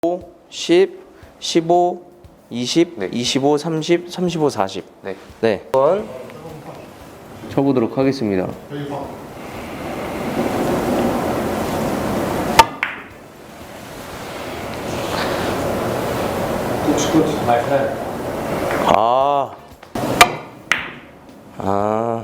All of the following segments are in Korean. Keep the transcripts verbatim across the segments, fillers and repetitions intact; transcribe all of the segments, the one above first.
십, 십오, 이십, 네. 이십오, 삼십, 삼십오, 사십. 네. 네. 한번 쳐보도록 하겠습니다. 아. 아.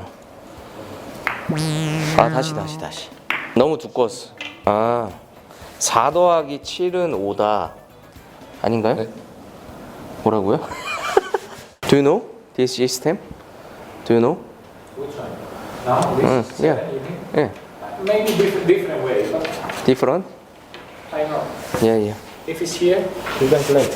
아, 다시, 다시, 다시. 너무 두꺼웠어. 아. 사 더하기 칠은 오다. 아닌가요? 네. 뭐라고요? Do you know this system? Do you know? Which one? Now this Mm, is yeah. seven, you think? Yeah. Maybe different different way, but Different? I know. Yeah, yeah. If it's here, you can play.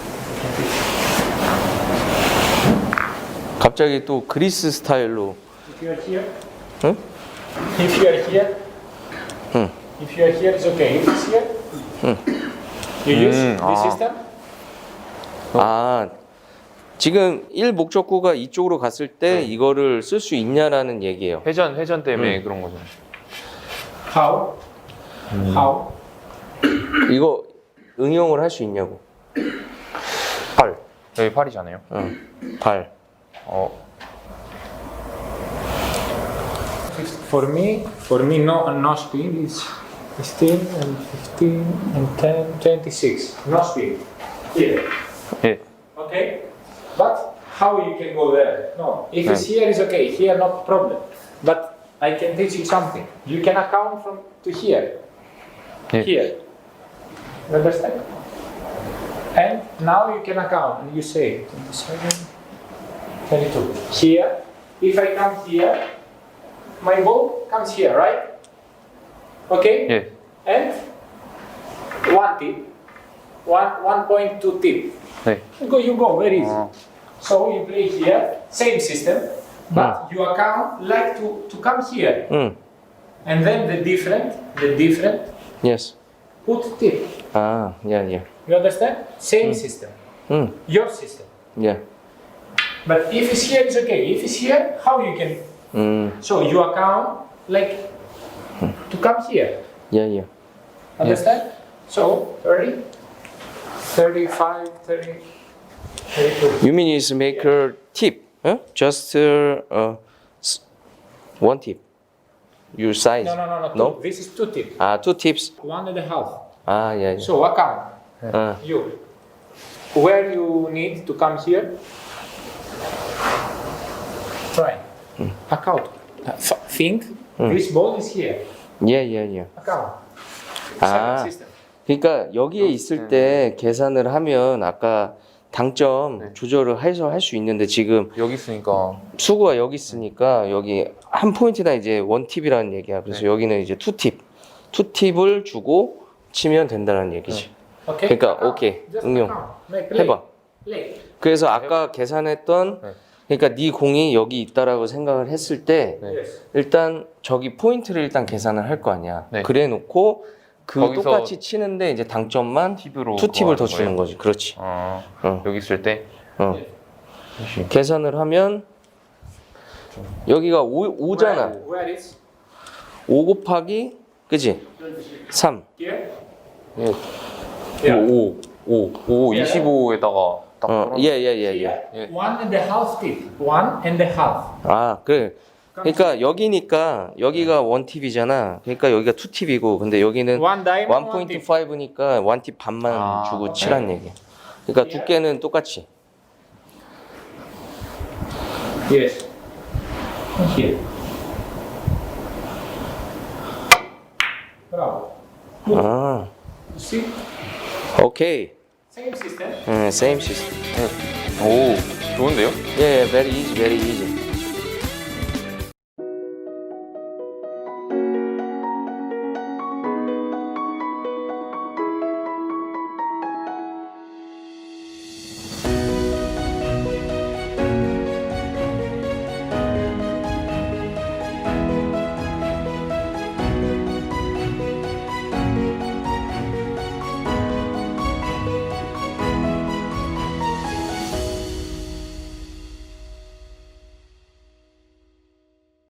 갑자기 또 그리스 스타일로. If you are here, 응? if you are here, 응. if you are here, it's okay. If it's here, you use Mm, this ah. system. 아, 지금 일 목적구가 이쪽으로 갔을 때 이거를 쓸 수 있냐라는 얘기예요. 회전 회전 때문에 음. 그런 거죠. How? How? 이거 응용을 할 수 있냐고. 팔. 여기 팔이잖아요. 응. 발. 어. For me, for me, no, no speed is fifteen and fifteen and ten, twenty-six. No speed. Here. 예. Okay? But how you can go there? No. If it's here, it's okay. Here, no problem. But I can teach you something. You can account from to here. Yeah. Here. You understand? And now you can account. And you say twenty-seven, twenty-two. Here. If I come here, my ball comes here, right? Okay? 예. And one tip. One, one point two tip. 네. You go, you go, very easy. 어. So you play here, same system, but you account like to, to come here. 응. And then the different, the different, Yes. put tip. 아, yeah, yeah. You understand? Same system, 응. your system. Yeah. But if it's here, it's okay. If it's here, how you can? 음. So you account like to come here. Yeah, yeah. Understand? So thirty, thirty-five, thirty, thirty-two. You mean is make a tip? Huh? Just uh, uh, s- one tip. Your size. No, no, no, no. Two. No? This is two tips. 아, two tips. One and a half. 아, yeah, yeah. So account. 아, You. Where you need to come here? Try. Account. Uh, f- think. This ball is here. yeah, yeah, yeah. Account. 아. Seven system. 그러니까 여기에 있을 때 계산을 하면 아까 당점 조절을 해서 할 수 있는데 지금 여기 있으니까. 수구가 여기 있으니까 여기 한 포인트당 이제 원 팁이라는 얘기야. 그래서 네. 여기는 이제 투 팁. 투 팁을 주고 치면 된다는 얘기지. Okay. 그러니까 account. 오케이. Just 응용. account. Make play. 해봐. Play. 그래서 아까 계산했던 네. 그러니까 네 공이 여기 있다라고 생각을 했을 때 네. Yes. 일단 저기 포인트를 일단 계산을 할 거 아니야. 네. 그래 놓고 그 거기서 똑같이 치는데 이제 당점만 팁으로 투 팁을 더 그거 주는 하는 거지. 그렇지. 어. 어. 여기 있을 때. 어. 계산을 하면 여기가 오, 오잖아. Where, where is? 오 곱하기 그지? 삼. Here. 예. Yeah. 오, 오, 오, 예. 이십오에다가 딱. 어, 떨어져. 예, 예, 예, 예. Here. 예. One and a half tip. One and a half. 아, 그래. 그러니까 여기니까 여기가 원 팁이잖아. 그러니까 여기가 투 팁이고 근데 여기는 One diamond. 원 one 포인트 tip. 파이브니까 원 팁 반만 아, 주고 오케이. 치란 얘기야. 그러니까 두께는 똑같이. Yes. Here. Bravo. 아, You see? 오케이. Same system. 응, same system. 오, 좋은데요? 예, yeah, very easy, very easy.